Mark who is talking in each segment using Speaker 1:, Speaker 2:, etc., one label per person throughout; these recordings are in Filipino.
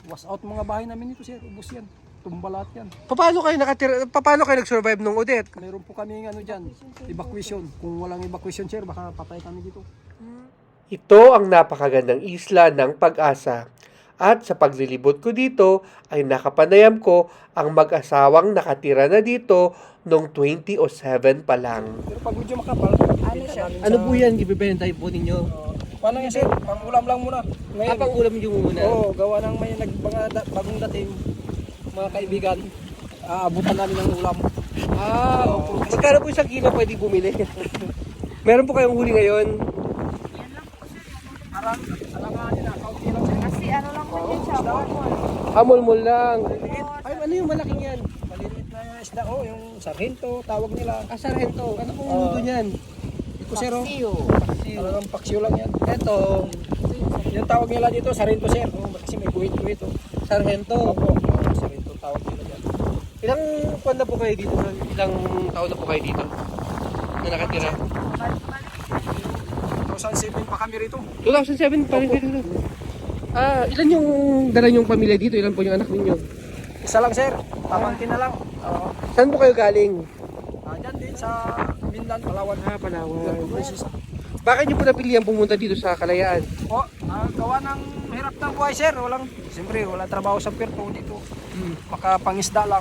Speaker 1: was out mga bahay namin dito, sir. Ubus yan. Tumba lahat yan.
Speaker 2: Paano kayo nakatira? Paano kayo nag-survive nung Odette?
Speaker 1: Meron po kami ano dyan, evacuation. Kung walang evacuation, sir, baka patay kami dito.
Speaker 2: Ito ang napakagandang isla ng Pag-asa. At sa paglilibot ko dito ay nakapanayam ko ang mag-asawang nakatira na dito noong 2007 pa lang.
Speaker 1: Pero pag medyo makapal, ano siya?
Speaker 2: Ano po yan? Ibibenta po ninyo?
Speaker 1: Paano yan, sir? Pang-ulam lang muna. Ngayon,
Speaker 2: Pang ulam nyo muna?
Speaker 1: oo, gawa ng may bagong dating mga kaibigan. Aabutan namin ng ulam.
Speaker 2: Opo. Magkano po isang kilo pwede bumili? Meron po kayong huli ngayon?
Speaker 1: Alanganin na, kaunti lang, sir.
Speaker 3: Kasi ano lang po yun siya, bawal.
Speaker 2: Amol-mol lang. Ay, ano yung malaking yan?
Speaker 1: Maliliit na isda, yung sargento, tawag nila.
Speaker 2: Sargento. Ano pong luto niyan?
Speaker 1: Iko, sir, oh.
Speaker 3: Siyo.
Speaker 1: Talagang paksiw lang yan. Ito, yung tawag nila dito, sargento, sir. Kasi may guhit-guhit, oh.
Speaker 2: Sargento.
Speaker 1: Opo, sargento tawag nila dyan.
Speaker 2: Ilang buwan na po kayo dito? Ilang taon na po kayo dito? Na nakatira?
Speaker 1: 2007 pa kami rito.
Speaker 2: 2007 pa rin kayo dito. Ilan yung dala nyong pamilya dito? Ilan po yung anak ninyo?
Speaker 1: Isa lang, sir. Pamangkin na lang.
Speaker 2: Saan po kayo galing?
Speaker 1: Dyan din sa Mindan, Palawan.
Speaker 2: Palawan. Bakit nyo po napilihan pumunta dito sa Kalayaan?
Speaker 1: Gawa ng hirap ng buhay, sir. Siyempre, wala trabaho sa Puerto dito. Makapangisda lang.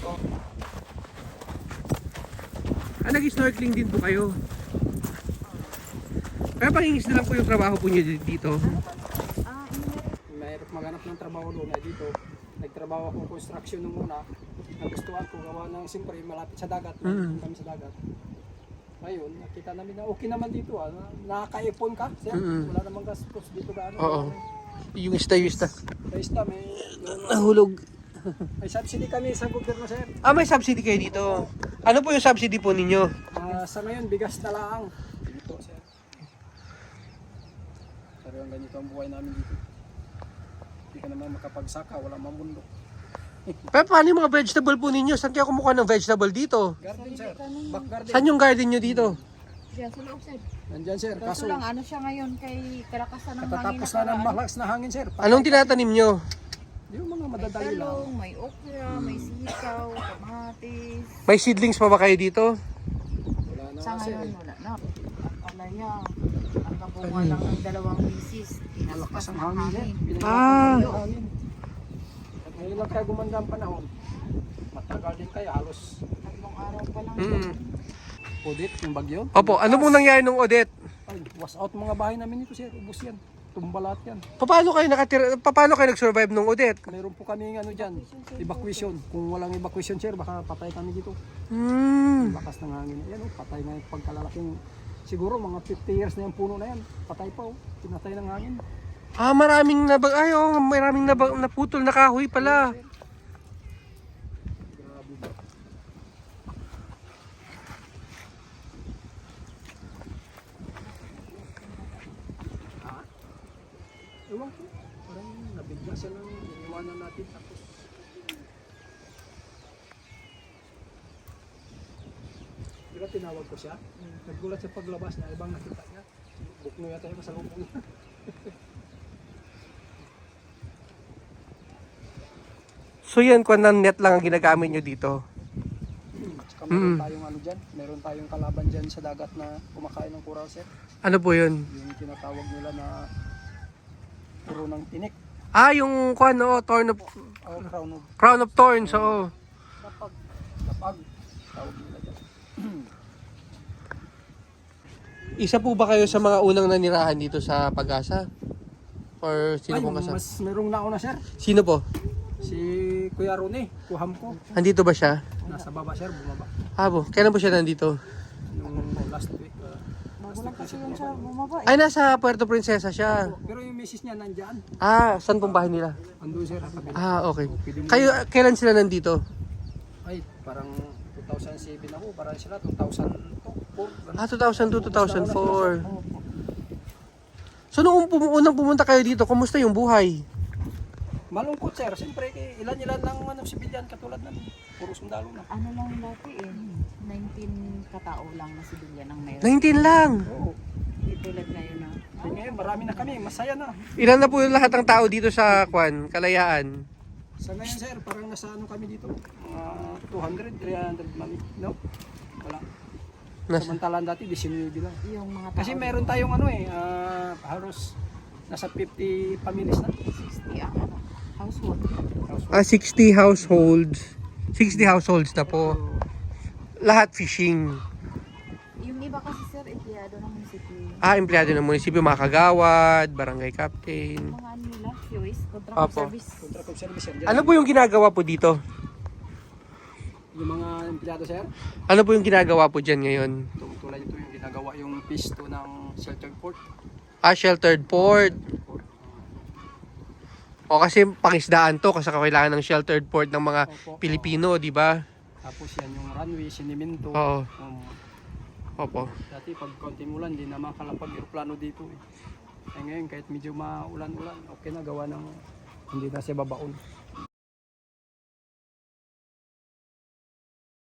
Speaker 2: Nag-snorkeling din po kayo? Kaya pangingisda lang po yung trabaho po nyo dito?
Speaker 1: Mahirap maghanap ng trabaho doon. Dito, nagtrabaho ako construction nung una. Nagustuhan ko gawa ng siyempre malapit sa dagat. Kami sa dagat. Ngayon, nakita namin na okay naman dito. Nakaka-ipon ka, sir. Wala namang gastos dito gaano.
Speaker 2: Oo. Yung isda.
Speaker 1: Basta may
Speaker 2: Nahulog.
Speaker 1: may subsidy kami sa gobyerno, sir.
Speaker 2: May subsidy kayo dito. Ano po yung subsidy po ninyo?
Speaker 1: Sa ngayon, bigas na lang. Dito, sir. Pero ang ganito ang buhay namin dito. Hindi ka naman makapagsaka, wala mamundok.
Speaker 2: Pero paano yung mga vegetable po ninyo? Saan kayo kumukuha ng vegetable dito?
Speaker 1: Garden, sir. Back garden.
Speaker 2: Saan yung garden nyo dito?
Speaker 3: Siya sa loob, sir.
Speaker 1: Nandyan, sir.
Speaker 3: Kaso
Speaker 1: Kaso,
Speaker 3: lang, ano siya ngayon kay kalakasan ng hangin.
Speaker 1: katatapos na ng malakas na hangin, sir.
Speaker 2: Anong tinatanim nyo?
Speaker 1: Yung mga
Speaker 3: May
Speaker 1: madadali lang.
Speaker 3: talong, may okra, may sitaw, kamatis.
Speaker 2: May seedlings pa ba kayo dito?
Speaker 1: Wala na
Speaker 3: Sa
Speaker 1: nga, sir.
Speaker 3: ngayon, wala na. Ang palaya, ang kabunga lang ng 2 misis.
Speaker 1: Malakas
Speaker 3: Tinaskas
Speaker 1: ang
Speaker 3: ng
Speaker 1: hangin, sir.
Speaker 3: hangin.
Speaker 1: Ang hangin. At ngayon lang kaya gumanda ang panahon. Matagal din kaya, halos
Speaker 3: 3 araw pa lang.
Speaker 1: audit yung bagyo.
Speaker 2: Opo, ano pong nangyari nung Odette?
Speaker 1: Ay, was out mga bahay namin dito, sir. Ubus yan. Tumba lahat yan.
Speaker 2: Paano kayo nakatira? Paano kayo nag-survive nung Odette?
Speaker 1: Meron po kami ano dyan, evacuation. Kung walang evacuation, sir, baka patay kami dito. Lakas ng hangin. Ayan, patay na yung pagkalalaking. Siguro mga 50 years na yung puno na yan. Patay pa, pinatay ng hangin.
Speaker 2: Maraming maraming naputol na kahoy pala.
Speaker 1: Ewan ko, parang nabigla siya lang, iniwanan natin tapos. Di ba tinawag ko siya? Naggulat sa paglabas niya, ibang nakita niya. Bukno yata yung masalubong niya.
Speaker 2: So yan, kung net lang ang ginagamit nyo dito.
Speaker 1: Saka meron tayong ano dyan, meron tayong kalaban dyan sa dagat na kumakain ng coral, sir.
Speaker 2: Ano po yun?
Speaker 1: Yung tinatawag nila na puro ng tinik.
Speaker 2: Yung crown of
Speaker 1: Crown of
Speaker 2: thorns, oo.
Speaker 1: lapag, tawag nila dyan.
Speaker 2: Isa po ba kayo sa mga unang nanirahan dito sa Pag-asa? Or sino pong kasama?
Speaker 1: Mas merong nauna, sir.
Speaker 2: Sino po?
Speaker 1: Si Kuya Rone, kuham ko.
Speaker 2: Andito ba siya?
Speaker 1: Nasa baba, sir, bumaba.
Speaker 2: Po. Kailan po siya nandito?
Speaker 1: Nung last week.
Speaker 3: Bago lang kasi yun siya bumaba.
Speaker 2: Ay, nasa Puerto Princesa siya.
Speaker 1: Pero yung misis niya nandyan.
Speaker 2: Saan pong bahay nila?
Speaker 1: Andun, sir, sa kabila.
Speaker 2: Okay.
Speaker 1: Pwede mo-
Speaker 2: Kayo, kailan sila nandito?
Speaker 1: Ay, parang 2007 ako, parang sila 2004.
Speaker 2: 2002, 2004. So, nung unang pumunta kayo dito, kumusta yung buhay?
Speaker 1: Malungkot, sir. Siyempre, ilan-ilan lang sibilyan katulad namin. Puro sundalo na.
Speaker 3: Ano lang dati 19 katao lang na sibilyan ang meron.
Speaker 2: 19 lang.
Speaker 1: Oo.
Speaker 3: Hindi tulad ngayon na.
Speaker 1: Eh, ngayon, marami na kami, masaya na.
Speaker 2: Ilan na po yung lahat ng tao dito sa Kwan, Kalayaan?
Speaker 1: Sa ngayon, sir, parang nasa ano kami dito, mga 200, 300 mami, no? Wala. Samantalang dati, 19 lang.
Speaker 3: Yung mga
Speaker 1: Kasi meron tayong ano halos nasa 50 families na.
Speaker 3: 60 ang ano, household.
Speaker 2: 60 households. 60 households na po. Lahat fishing.
Speaker 3: Yung iba kasi sir, empleyado ng munisipyo.
Speaker 2: Empleyado ng munisipyo, mga kagawad, barangay captain.
Speaker 3: Mga ano nila, QS, contract
Speaker 2: Opo.
Speaker 3: service.
Speaker 1: Contract of service, sir. Dyan.
Speaker 2: Ano po yung ginagawa po dito?
Speaker 1: Yung mga empleyado, sir,
Speaker 2: Ano po yung ginagawa po dyan ngayon?
Speaker 1: tulad ito yung ginagawa yung phase 2 ng sheltered port.
Speaker 2: Sheltered port. O kasi pangisdaan to kasi kailangan ng sheltered port ng mga
Speaker 1: Opo.
Speaker 2: Pilipino, di ba?
Speaker 1: Tapos yan yung runway, sinimento.
Speaker 2: Oo. Opo.
Speaker 1: Dati pag konting ulan, di na makalapag aeroplano dito ngayon kahit medyo maulan-ulan, okay na gawa ng hindi na siya babaon.